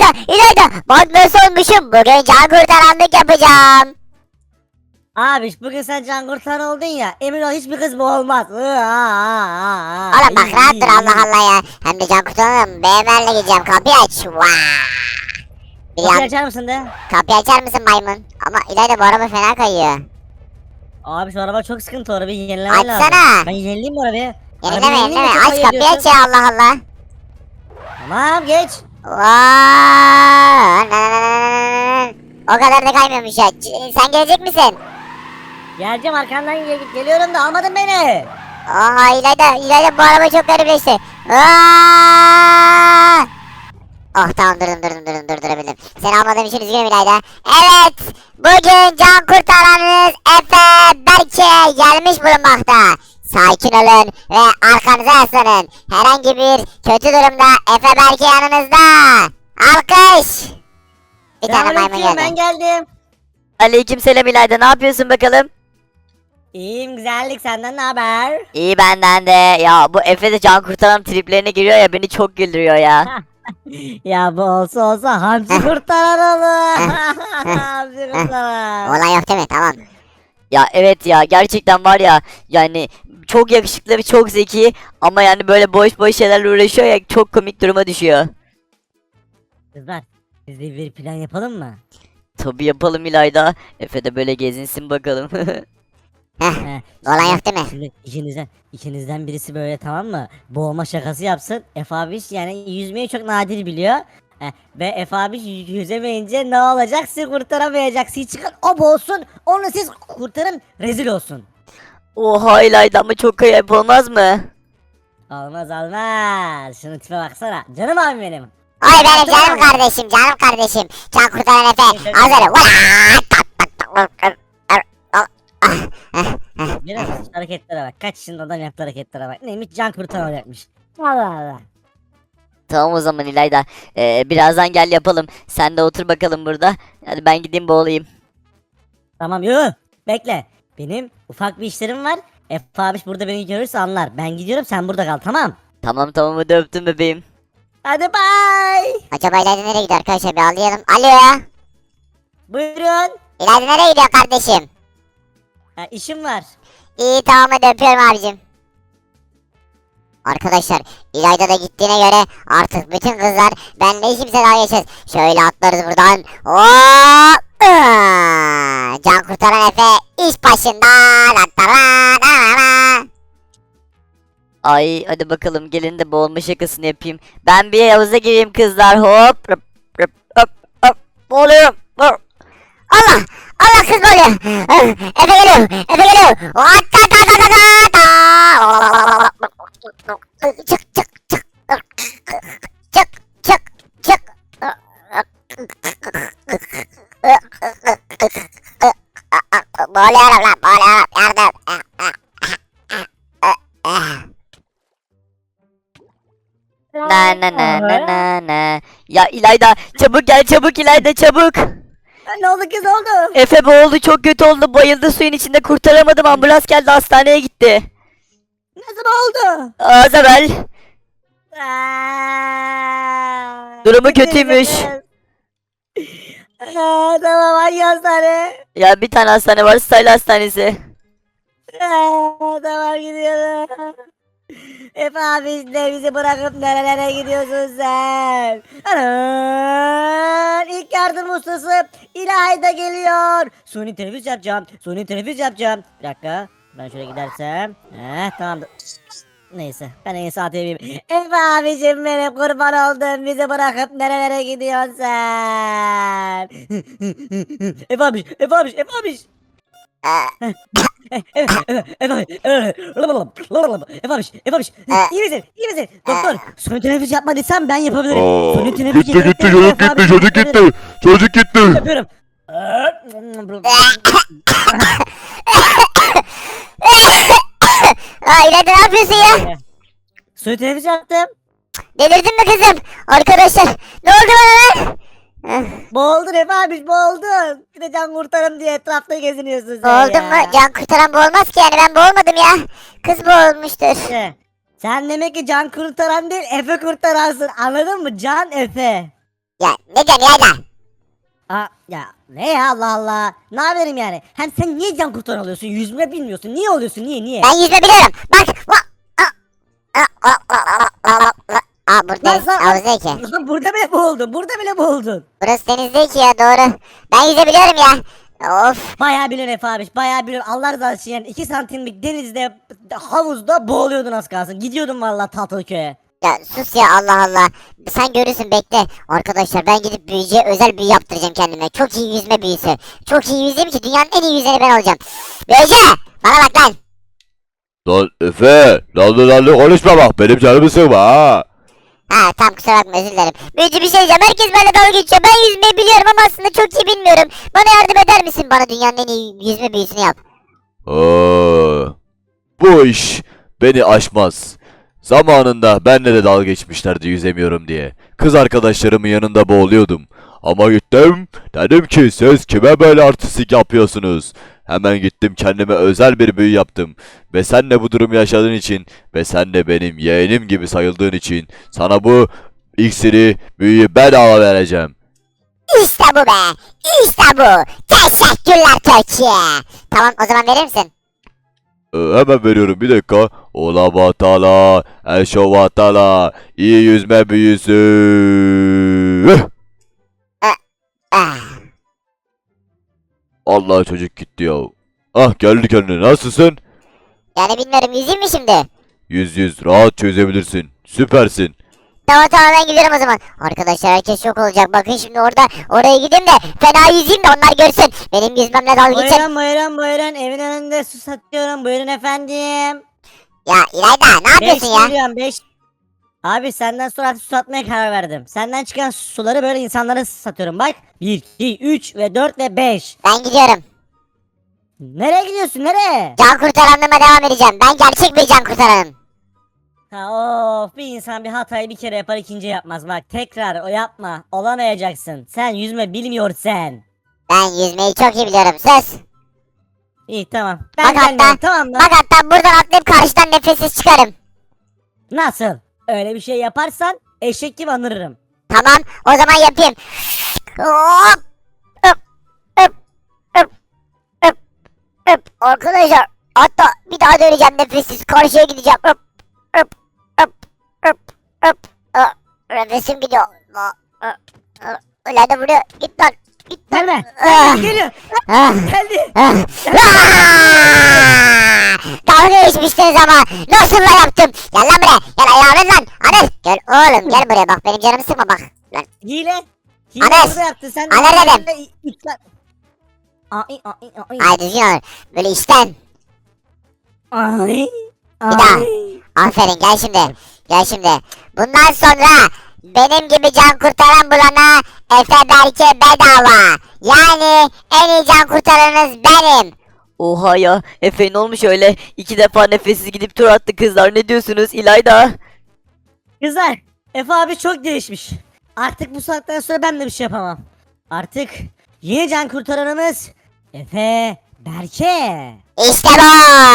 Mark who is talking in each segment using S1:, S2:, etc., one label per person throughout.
S1: İlayda. Bak nasıl olmuşum. Bugün can kurtaranlık yapacağım.
S2: Abi bugün sen can kurtaran oldun ya. Emin ol hiçbir kız bu olmaz.
S1: Oğlum bak rahat dur Allah Allah ya. Hem de can kurtaranım. BMW'le gideceğim. Kapıyı aç. Vaa. Bir
S2: Kapıyı
S1: yan-
S2: açar mısın de?
S1: Kapıyı açar mısın maymun? Ama İlayda bu araba fena kayıyor.
S2: Abi şu araba çok sıkıntı, o arabayı yenilemen lazım.
S1: Açsana.
S2: Ben yenileyim bu arabayı.
S1: Yenileme
S2: Arabayı
S1: yenileme.
S2: çok
S1: Aç
S2: ayıp
S1: kapıyı aç
S2: ediyorsun.
S1: ya Allah Allah.
S2: Tamam geç.
S1: Vaa. O kadar da kaymıyormuş ya. Sen gelecek misin?
S2: Geleceğim arkandan geliyorum da almadın beni.
S1: Aa İlayda bu araba çok garipleşti. Aa! Oh tamam durdurabildim. Seni almadığım için üzgünüm İlayda. Evet bugün can kurtaranınız Efe Berke gelmiş bulunmakta. Sakin olun ve arkanıza yaslanın. Herhangi bir kötü durumda Efe Berke yanınızda. Alkış. Bir tane maymun
S2: Selamünaleyküm, ben
S1: geldi.
S2: geldim.
S3: Aleykümselam İlayda, ne yapıyorsun bakalım?
S2: İyiyim, güzellik, senden ne haber?
S3: İyi benden de. Ya bu Efe de can kurtaran triplerine giriyor ya, beni çok güldürüyor ya.
S2: Ya bu olsa hamsi kurtaran olur. Hamsi kurtaran.
S1: Olay yok değil mi? Tamam.
S3: Ya evet ya, gerçekten var ya, yani çok yakışıklı ve çok zeki ama yani böyle boş boş şeylerle uğraşıyor ya, çok komik duruma düşüyor.
S2: Kızlar, biz de bir plan yapalım mı?
S3: Tabii yapalım İlayda. Efe de böyle gezinsin bakalım.
S1: Heh.
S2: He,
S1: Olay yok değil mi?
S2: Şimdi ikinizden birisi böyle, tamam mı? Boğulma şakası yapsın. Efe abi yani yüzmeyi çok nadir biliyor. Ve Efe abi yüzemeyince ne olacak? Siz kurtaramayacaksınız. Çıkın o boğulsun. Onu siz kurtarın. Rezil olsun.
S3: Oha İlayda, ama çok ayıp olmaz mı?
S2: Olmaz. Şunun tipe baksana. Canım abim benim.
S1: Ay benim canım kardeşim, canım kardeşim. Can kurtaran Efe. Hazır.
S2: Biraz hareketlere bak. Kaç yaşında adam yaptığı hareketlere bak. Neymiş, can kurtaracakmış. Allah Allah.
S3: Tamam o zaman İlayda. Birazdan gel yapalım. Sen de otur bakalım burada. Hadi ben gideyim boğulayım.
S2: Tamam yo. Bekle. Benim ufak bir işlerim var. Efe abi burada beni görürse anlar. Ben gidiyorum, sen burada kal, tamam.
S3: Tamam hadi öptüm bebeğim.
S2: Hadi bye.
S1: Acaba İlayda nereye gidiyor arkadaşlar bir anlayalım. Alo.
S2: Buyurun.
S1: İlayda nereye gidiyor kardeşim?
S2: İşim var.
S1: İyi tamam hadi öpüyorum abicim. Arkadaşlar İlayda da gittiğine göre artık bütün kızlar benimle hiç kimse daha geçmez. Şöyle atlarız buradan. Hop! Can kurtaran Efe iş başında.
S3: Ay hadi bakalım, gelin de boğulma şakasını yapayım. Ben bir havuza gireyim kızlar, hop hop hop hop hop, boğuluyorum. Hop.
S1: Allah! Allah kız oluyor. Efe geliyor. Efe geliyor. Çık çık çık. Çık çık çık. Boğuluyorum lan boğuluyorum. Yardım.
S3: Na. Ya İlayda çabuk gel, çabuk İlayda, çabuk.
S2: Ne oldu kız, oldu?
S3: Efe boğuldu, çok kötü oldu, bayıldı suyun içinde, kurtaramadım, ambulans geldi, hastaneye gitti.
S2: Nasıl oldu?
S3: Az evvel. Durumu
S2: Gittiniz
S3: kötüymüş.
S2: kız. Tamam, hangi hastane?
S3: Ya bir tane hastane var, Style Hastanesi.
S2: Tamam, gidiyorum. Efe abi de bizi bırakıp nerelere gidiyorsun sen? Anan, ilk yardım ustası İlayda geliyor. Suni teneffüs yapacağım. Bir dakika. Ben şöyle gidersem. Tamamdır. Neyse, ben en iyisi atayım. Efe abicim benim, kurban oldum. Bizi bırakıp nerelere gidiyorsun sen? Efe abiş. Efe abiş. İyi misin? Doktor, suni teneffüs yapma desem ben yapabilirim. Suni teneffüs
S4: Gitti
S2: yetenek
S4: çocuk
S2: Efe
S4: gitti
S2: abiş
S4: çocuk
S2: yapabilirim.
S4: gitti. Çocuk gitti.
S2: Yapıyorum.
S1: İlayda ne yapıyorsun ya?
S2: Suni teneffüs yaptım.
S1: Delirdin mi kızım? Arkadaşlar ne oldu bana lan?
S2: Boğuldun Efe abiş, boğuldun. Bir de can kurtarım diye etrafta geziniyorsun sen
S1: Boğuldum
S2: ya.
S1: mu? Can kurtaran boğulmaz ki yani ben boğulmadım ya. Kız boğulmuştur.
S2: Sen demek ki can kurtaran değil, Efe kurtaransın, anladın mı? Can Efe.
S1: Ya ne diyorsun İlayda?
S2: Aa, ya ne ya, Allah Allah. Ne yapayım yani? Hem sen niye can kurtaran oluyorsun? Yüzme bilmiyorsun. Niye oluyorsun? Niye?
S1: Ben yüzme biliyorum. Bak. Burada deniz havuzu değil ki.
S2: Lan burada bile boğuldun. Burada bile boğuldun.
S1: Burası deniz değil ki ya, doğru. Ben yüzebiliyorum ya. Of.
S2: Bayağı biliyorsun Efe abi. Bayağı biliyorum. Allah razı olsun yani. 2 santimlik denizde, havuzda boğuluyordun az kalsın. Gidiyordun vallahi Tatlıköy'e.
S1: Ya sus ya, Allah Allah. Sen görürsün, bekle. Arkadaşlar ben gidip büyücüye özel büyü yaptıracağım kendime. Çok iyi yüzme büyüsü. Çok iyi yüzeyim ki dünyanın en iyi yüzeni ben olacağım. Büyücü! Bana bak lan.
S4: Lan Efe, lan konuşma bak, benim canımı sıkma ha.
S1: Ha tam, kusura bakma, özür dilerim. Büyücü bir şey diyeceğim. Herkes benimle dalga geçiyor. Ben yüzmeyi biliyorum ama aslında çok iyi bilmiyorum. Bana yardım eder misin? Bana dünyanın en iyi yüzme büyüsünü yap.
S4: Bu iş beni aşmaz. Zamanında benle de dalga geçmişlerdi yüzemiyorum diye. Kız arkadaşlarımın yanında boğuluyordum. Ama gittim, dedim ki siz kime böyle artistik yapıyorsunuz? Hemen gittim kendime özel bir büyü yaptım. Ve sen de bu durumu yaşadığın için ve sen de benim yeğenim gibi sayıldığın için sana bu iksiri, büyüyü bedava vereceğim.
S1: İşte bu be. İşte bu. Teşekkürler Türkiye. Tamam, o zaman verir misin?
S4: Hemen veriyorum, bir dakika. Ola batala, eşo batala, iyi yüzme büyüsü.
S1: Ah.
S4: Allah, çocuk gitti ya. Ah, geldi kendine, nasılsın?
S1: Yani bilmiyorum, yüzeyim mi şimdi?
S4: Yüz rahat çözebilirsin. Süpersin.
S1: Tamam ben gidiyorum o zaman. Arkadaşlar herkes şok olacak. Bakın şimdi oraya gideyim de fena yüzeyim de onlar görsün. Benim yüzmemle dalga geçen.
S2: Buyurun. Evin önünde su satıyorum. Buyurun efendim.
S1: Ya İlayda ne yapıyorsun ya?
S2: 5. Abi senden sonra su satmaya karar verdim. Senden çıkan suları böyle insanlara satıyorum. Bak 1, 2, 3 ve 4 ve 5.
S1: Ben gidiyorum.
S2: Nereye gidiyorsun? Nereye?
S1: Can kurtaranlığıma devam edeceğim. Ben gerçek bir can kurtaranım.
S2: Ha, of, bir insan bir hatayı bir kere yapar, ikinci yapmaz. Bak tekrar o yapma. Olamayacaksın. Sen yüzme bilmiyorsun.
S1: Ben yüzmeyi çok iyi biliyorum. Söz.
S2: İyi tamam.
S1: Bak
S2: Ben gelmiyorum,
S1: hatta,
S2: tamam mı?
S1: bak hatta buradan atlayıp karşıdan nefessiz çıkarım.
S2: Nasıl? Öyle bir şey yaparsan eşek gibi anırırım.
S1: Tamam, o zaman yapayım. Hop. Öp. Öp. Öp. Öp. Öp. Arkadaşlar hatta bir daha döneceğim nefessiz. Karşıya gideceğim. Öp. Öp. Öp. Öp. Öp. Öp. Nefesim gidiyor. Öyle de vuruyor. Git lan. Git lan.
S2: Gelme.
S1: Ah.
S2: Geliyor.
S1: Ah.
S2: Geldi.
S1: Ah. Dalga geçmiştiniz ama nasıl da yaptım. Gel lan buraya. Gel ayağımın lan. Hadi gel oğlum, gel buraya bak, benim canımı sıkma bak. Lan.
S2: Hile. Hile
S1: Anas.
S2: burada yaptı. Sen
S1: Anas dedim.
S2: Ay.
S1: Ay düzgün ol. Böyle işten.
S2: Ay.
S1: daha. Aferin, gel şimdi. Gel şimdi. Bundan sonra benim gibi can kurtaran bulana Efe Berke bedava. Yani en iyi can kurtaranınız benim.
S3: Oha ya, Efe ne olmuş öyle? 2 defa nefessiz gidip tur attı kızlar, ne diyorsunuz İlayda?
S2: Kızlar, Efe abi çok değişmiş. Artık bu saatten sonra ben de bir şey yapamam. Artık yeni can kurtaranımız Efe Berke.
S1: İşte bu.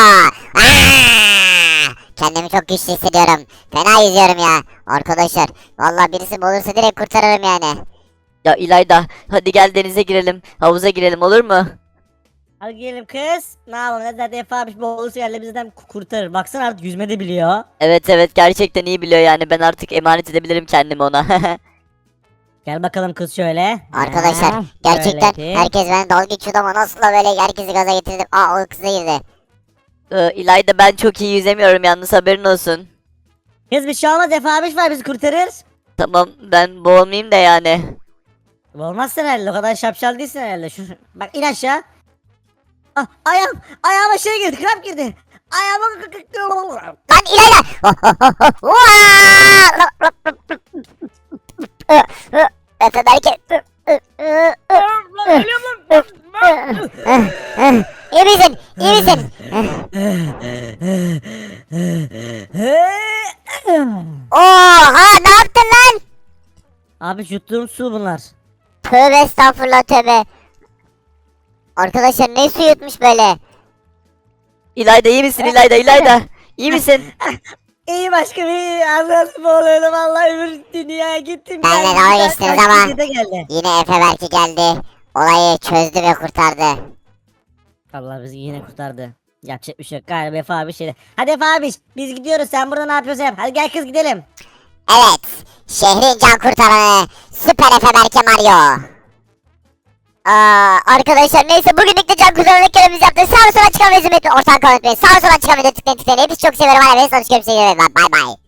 S1: Kendimi çok güçlü hissediyorum. Fena yüzüyorum ya. Arkadaşlar vallahi birisi bulursa direkt kurtarırım yani.
S3: Ya İlayda, hadi gel denize girelim, havuza girelim, olur mu?
S2: Hadi gelin kız. Ne yapalım? Zaten Efe abi boğulursa yerle bizden kurtarır. Baksana artık yüzme de biliyor.
S3: Evet gerçekten iyi biliyor yani, ben artık emanet edebilirim kendimi ona.
S2: Gel bakalım kız şöyle.
S1: Arkadaşlar
S2: Ha,
S1: gerçekten
S2: şöyle ki.
S1: herkes bana dalga geçiyordu ama nasıl da böyle herkesi gaza getirdim. Aa, o kıza girdi.
S3: İlayda, ben çok iyi yüzemiyorum yalnız, haberin olsun.
S2: Kız bir şey olmaz, Efe abi var, bizi kurtarır.
S3: Tamam, ben boğulmayayım da yani.
S2: Olmazsın herhalde, o kadar şapşal değilsin herhalde. Bak in aşağı. Ah, ayağıma şey girdi, kramp girdi. Ayağıma...
S1: Lan İlayda! Efe Berke. İyi misin? İyi misin? Oha, ne yaptın lan?
S2: Abi yuttuğum su bunlar.
S1: Tövbe estağfurullah, tövbe. Arkadaşlar ne su yutmuş böyle?
S3: İlayda iyi misin İlayda, İlayda? İyi misin?
S2: İyi başkanım iyi. Az nasıl boğuluyordum vallahi öbür dünyaya gittim.
S1: Benle
S2: geldim.
S1: dalga
S2: Ben
S1: geçtiniz
S2: kaç
S1: ama-
S2: kişi de geldi.
S1: Yine Efe Berke geldi. Olayı çözdü ve kurtardı.
S2: Allah bizi yine kurtardı. Yapacak bir şey yok galiba Efe abi şeyde. Hadi Efe abi biz gidiyoruz sen burada ne yapıyorsun yap. Hadi gel kız gidelim.
S1: Evet. Şehrin can kurtaranı Süper Efe Berke Mario. Arkadaşlar neyse bugünlük de can kurtaranlık görevimizi yaptık. Sağ ve sola çıkan ve izlemeyi unutmayın. Ortadan kalmayı unutmayın. Sağ ve sola çıkan videoyu tıklayın tıklayın. Hepinizi çok seviyorum. Hadi ve sonuç görüşmek üzere. Bay bay.